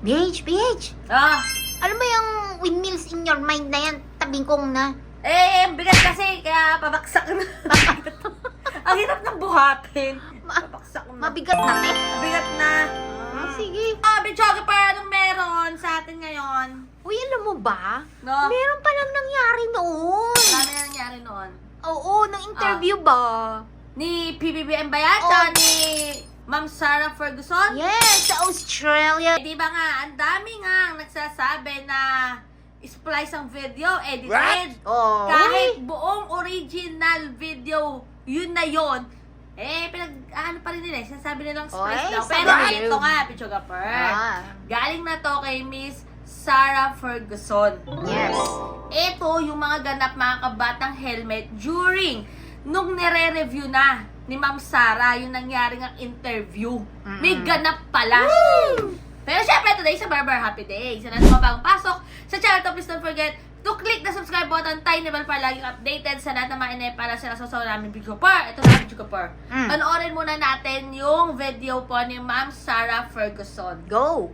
BH. Ah, Alam mo yung windmills in your mind na yan, tabing kong na. bigat kasi, kaya pabaksak na. Ang hirap ng buhatin. Pabaksak na. Mabigat na, eh. Bigat na. Sige. Bichoga pa, anong meron sa atin ngayon? Uy, alam mo ba? No? Meron palang nangyari noon. Ano na nangyari noon? Oo, nung interview ba? Ni PBBM ba yan? Tsaka ni Ma'am Sarah Ferguson? Yes, sa Australia. Di ba nga, ang dami nga nagsasabi na splice ang video, edited. Oh. Kahit buong original video, yun na yun. Ano pa rin nila, sinasabi nilang splice daw. Pero sabi. ito nga, Pichuga Per. Galing na to kay Miss Sarah Ferguson. Yes. Ito yung mga ganap mga kabatang helmet during nung nire-review na ni Ma'am Sarah yung nangyari ng interview. May ganap pala. Pero syempre, today sa Barber Happy Day. Sa lahat ng mga bagong pasok sa channel to, please don't forget to click the subscribe button, tiny bell para laging updated sa lahat ng mga inay para sa nasasaw namin Pichuga Per. Ito na Pichuga Per. Panoorin muna natin yung video po ni Ma'am Sarah Ferguson. Go.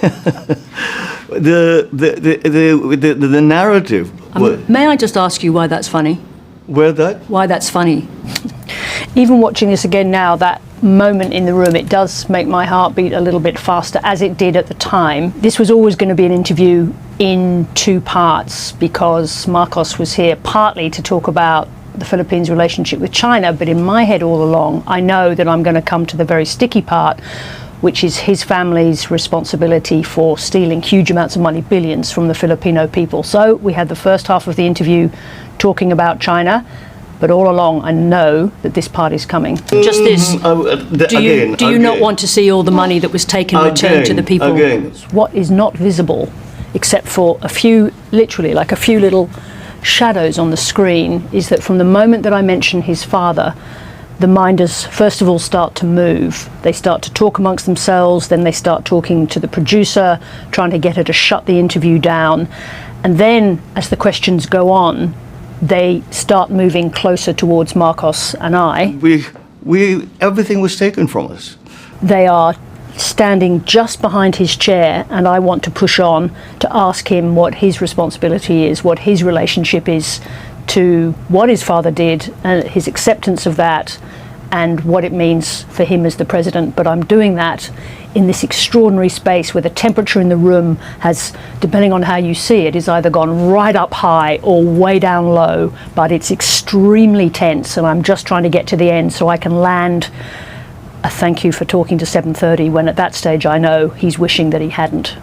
The narrative. May I just ask you why that's funny? Where that? Why that's funny? Even watching this again now, that moment in the room, it does make my heart beat a little bit faster, as it did at the time. This was always going to be an interview in two parts because Marcos was here partly to talk about the Philippines' relationship with China, but in my head all along, I know that I'm going to come to the very sticky part, which is his family's responsibility for stealing huge amounts of money, billions, from the Filipino people. So we had the first half of the interview talking about China, but all along I know that this part is coming. Just this. Do you not want to see all the money that was taken returned to the people? What is not visible, except for a few, literally like a few little shadows on the screen, is that from the moment that I mention his father, the minders first of all start to move. They start to talk amongst themselves, then they start talking to the producer, trying to get her to shut the interview down. And then as the questions go on, they start moving closer towards Marcos and I. Everything was taken from us. They are standing just behind his chair, and I want to push on to ask him what his responsibility is, what his relationship is to what his father did, and his acceptance of that, and what it means for him as the president. But I'm doing that in this extraordinary space where the temperature in the room has, depending on how you see it, is either gone right up high or way down low, but it's extremely tense, and I'm just trying to get to the end so I can land a thank you for talking to 7:30, when at that stage I know he's wishing that he hadn't.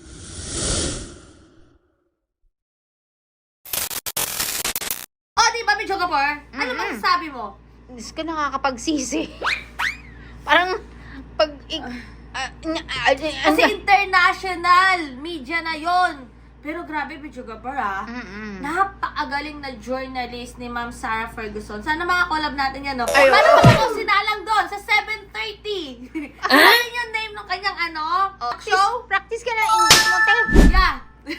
Di ba, Pichuga Per? Ano bang sabi mo? Diyos ko, nakakapagsisi. Parang, pag... Kasi international media na yon. Pero grabe, Pichuga Per, napakagaling na journalist ni Ma'am Sarah Ferguson. Sana mga collab natin yan, no? Paano ba ako sinalang doon sa 7:30? Ano yung name ng kanyang talk show? Practice ka na English mo, te. Yeah.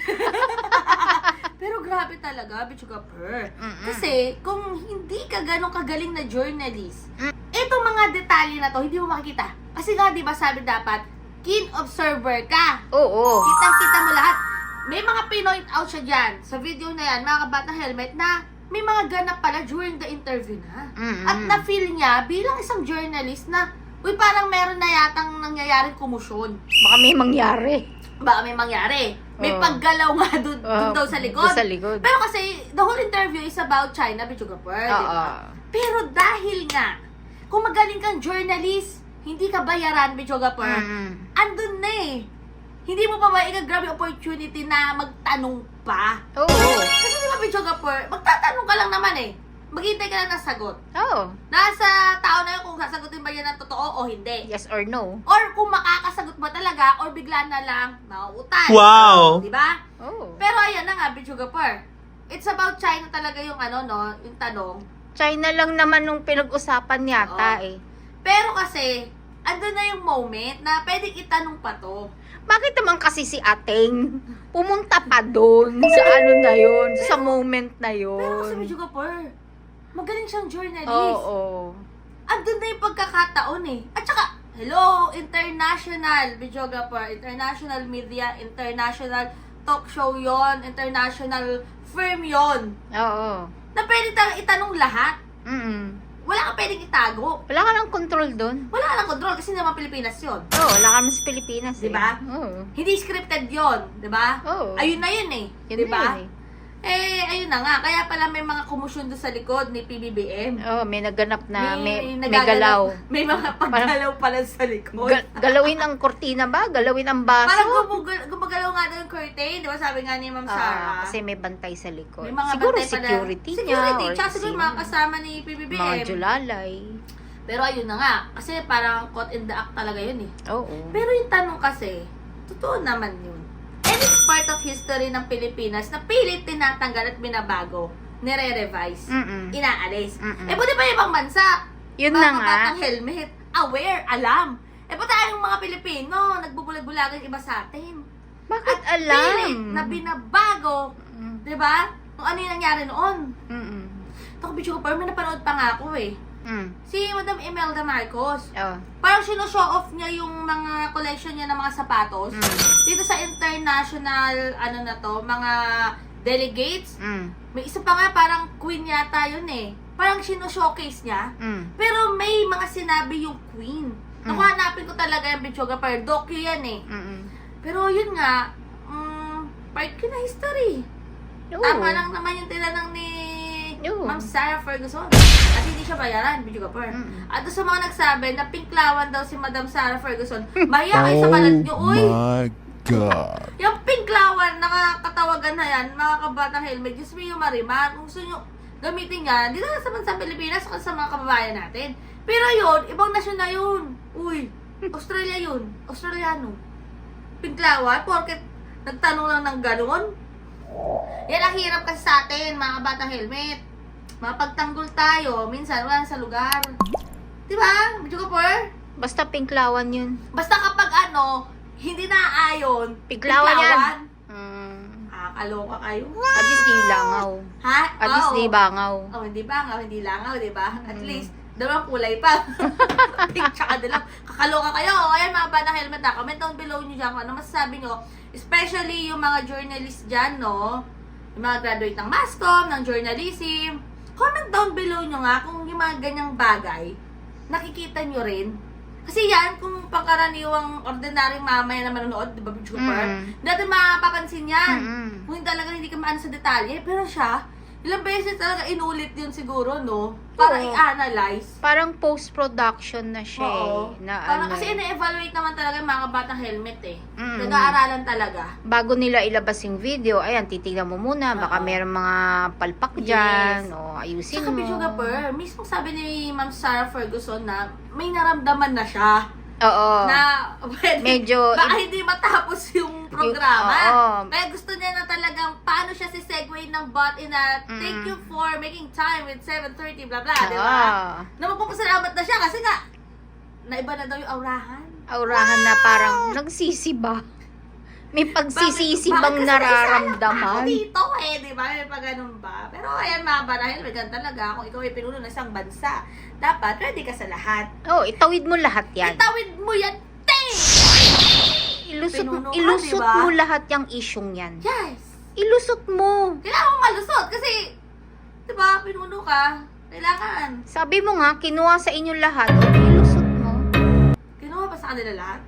Pero grabe talaga, Pichuga Per. Kasi kung hindi ka ganong kagaling na journalist, itong mga detalye na to, hindi mo makikita. Kasi nga, di ba sabi dapat, keen observer ka. Oo. Kitang-kita mo lahat. May mga pinoint out siya dyan sa video na yan, mga kabatang helmet, na may mga ganap pala during the interview na. At na-feel niya bilang isang journalist na, uy, parang meron na yatang nangyayaring kumusyon. Baka may mangyari. May paggalaw nga doon daw sa likod. Sa likod. Pero kasi, the whole interview is about China, Pichuga Per, di ba? Pero dahil nga, kung magaling kang journalist, hindi ka bayaran, Pichuga Per, andun na eh. Hindi mo pa maigagrab yung opportunity na magtanong pa. Oo. Kasi di ba, Pichuga Per, magtatanong ka lang naman eh. Maghintay ka lang ng sagot. Oo. Nasa tao na yun kung sasagutin ba yan ng totoo o hindi. Yes or no. Or kung makakasagot ba talaga or bigla na lang mauutay. Wow! Di ba? Oo. Pero ayan na nga, Pichuga Per. It's about China talaga yung yung tanong. China lang naman nung pinag-usapan yata eh. Pero kasi, andun na yung moment na pwedeng itanong pa to. Bakit naman kasi si Ateng pumunta pa doon sa na yun, sa moment na yun? Pero kasi Pichuga Per, magaling siyang journalist. Oo. Andun na yung pagkakataon eh. At saka, Hello, international videographer, international media, international talk show yon, international firm yon. Oo. Na pwede itanong lahat. Wala ka pwedeng itago. Wala ka ng control doon. Wala ka ng control kasi naman Pilipinas yon. Oo, wala kami sa Pilipinas. Diba? Oo. Hindi scripted yon, di ba? Oo. Ayun na yun eh. Yun Di na ba? yun eh. Ayun na nga. Kaya pala may mga kumusyon doon sa likod ni PBBM. Oo, may naganap na may nagagalaw. galaw. May mga paggalaw pala sa likod. Galawin ang kortina ba? Galawin ang baso? Parang gumagalaw nga daw yung curtain. Di ba sabi nga ni Ma'am Sarah? Kasi may bantay sa likod. May mga Siguro bantay pala. security niya. Security. Or Tsaka siguro sino. mga kasama ni PBBM. Mga julalay. Pero ayun na nga. Kasi parang caught in the act talaga yun eh. Oo. Pero yung tanong kasi, totoo naman yun. And it's part of history ng Pilipinas na pilit tinatanggal at binabago, nire-revise, inaalis. Buti pa yung ibang bansa. Yun na nga. Batang helmet, aware, alam. Buti tayong mga Pilipino, nagbubulag-bulagan iba sa atin. Bakit At alam? pilit na binabago, di ba? Kung ano yung nangyari noon. Ito ko, bitch ko, pero may napanood pa nga ako eh. Si Madam Imelda Marcos. Oh. Parang sino-show off niya yung mga collection niya ng mga sapatos. Dito sa international, mga delegates. May isa pa nga, parang queen yata yun eh. Parang sino-showcase niya. Pero may mga sinabi yung queen. Nakuhanapin ko talaga yung videographer. Docu yan eh. Pero yun nga, part ko na history. Oo. Tama lang naman yung tinanong ni Oo. Ma'am Sarah Ferguson. At hindi siya bayaran, videographer. At doon sa mga nagsabi na pinklawan daw si Madam Sarah Ferguson, mahiya kayo sa balat nyo, uy! my God. Yung pinklawan, nakakatawagan na yan, mga kabatang helmet, Diyos mo yung marimar. Kung gusto nyo gamitin yan, dito na sa bansang Pilipinas o sa mga kababayan natin. Pero yun, ibang nasyon na yun. Uy, Australia yun. Australiano. Pinklawan, porket nagtanong lang ng gano'n. Yan ang hirap kasi sa atin, mga kabatang helmet. Mapagtanggol tayo, minsan wala sa lugar. Diba? Medyo kapor? Basta pinklawan yun. Basta kapag hindi naaayon, Pinklawan yan. Kaloka kayo. At least di langaw. Ha? At least di bangaw. Oh, hindi bangaw, hindi langaw, di ba? At least, dalawang kulay pa. Pink tsaka dilaw. Kakaloka kayo. O, ayan mga bata helmet na. Comment down below nyo dyan kung ano masasabi nyo. Especially yung mga journalists dyan, no? Yung mga graduate ng MASCOM, ng journalism. Comment down below nyo nga kung yung mga ganyang bagay, nakikita nyo rin. Kasi yan, kung pangkaraniwang ordinaryong mamaya na manonood, di ba, YouTuber? Hindi natin mapapansin yan. Kung talaga hindi ka maano sa detalye. Pero siya, ilang beses talaga inulit yun siguro, no? Para Oo. i-analyze. Parang post-production na siya Oo. eh. Na Parang ano, kasi ina-evaluate naman talaga yung mga batang helmet eh. Mm. Nag-aaralan talaga. bago nila ilabas yung video, ayan, titignan mo muna. Baka Oo. merong mga palpak dyan. O ayusin Saka mo. videographer, mismo sabi ni Ma'am Sarah Ferguson na may naramdaman na siya. Oo. Na pwede, Medyo- baka hindi matapos yung programa. Oo. Kaya gusto niya na talagang paano siya si segue ng bot in a thank you for making time with 7:30 blah blah, di ba? Na magpapasalamat na siya kasi nga naiba na daw yung aurahan. Aurahan na parang nagsisiba. May pagsisisi Bakit bang kasi naisala pa ako nararamdaman? dito di ba? May pa ganun ba? Pero ayan mga barahil, may ganun talaga. Kung ikaw ay pinuno ng isang bansa, dapat ready ka sa lahat. Oh, itawid mo lahat yan. Itawid mo yan, te! Pinuno ka, Ilusot diba? mo lahat yung isyong yan. Yes! Ilusot mo. Kailangan mo malusot kasi, di ba, pinuno ka. Kailangan. Sabi mo nga, kinuha sa inyo lahat. O, ilusot mo. Kinuha ba sa kanila lahat?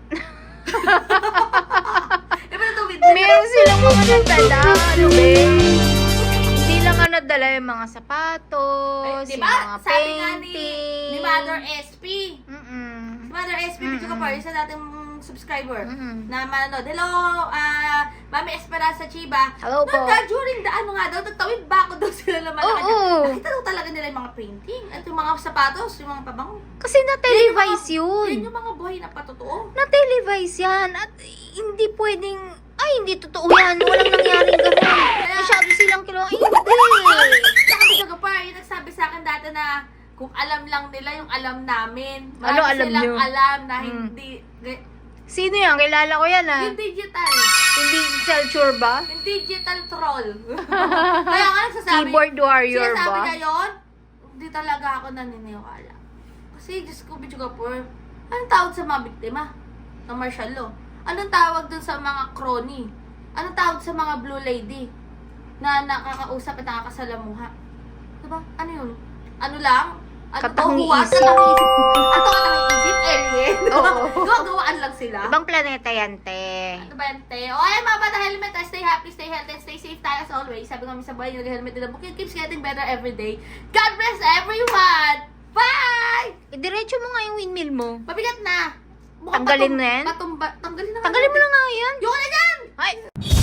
Eh, ba natuwid? Meron silang mga nadala. Ano ba? Hindi lang nga nadala yung mga sapatos, Di yung ba? mga Sabi nga painting. ni Mother SP. Mm-mm. Mother SP, video ka pa, isa nating subscriber Mm-mm. na manonood. Hello, Mami Esperanza Chiba. Hello po. During the nagtawid ba ako daw sila naman. Oo. Nakita daw talaga nila yung mga painting at yung mga sapatos, yung mga pabango. Kasi na-televise Yan yun. yung mga buhay na patotoo. Na-televise yan. At hindi pwedeng, ay, hindi totoo yan. Walang nangyaring gano'n. Masyado silang kilo. Ay, hindi. Saka talaga pa, yung nagsabi sa akin dati na kung alam lang nila yung alam namin. Ano Marami alam silang nyo? alam na hindi, Sino yan? Kilala ko yan, ah. yung digital. Hindi culture ba? Yung digital troll. Kaya nga nagsasabi, Keyboard warrior sinasabi ba? niya yun, hindi talaga ako naniniwala. Kasi, Diyos ko, bitch ka po, Anong tawag sa mga biktima ng martial law? Anong tawag dun sa mga crony? Anong tawag sa mga blue lady na nakakausap at nakakasalamuha? Diba? Ano yun? Ano lang? Ano Katang to? Huwag isip. katang isip. Ano katang isip? Alien? Oo. Gawa-gawaan lang sila. Ibang planeta yan, te. Ano ba yan, te? O, ayan mga bata, helmet. Stay happy, stay healthy, and stay safe tayo as always. Sabi nga sa buhay, yung helmet nila. It keeps getting better every day. God bless everyone! Bye! Idiretso mo nga yung windmill mo. Mabigat na. Tanggalin na yan? Tanggalin na. Tanggalin mo na nga yan. Yung ka na dyan! Ay!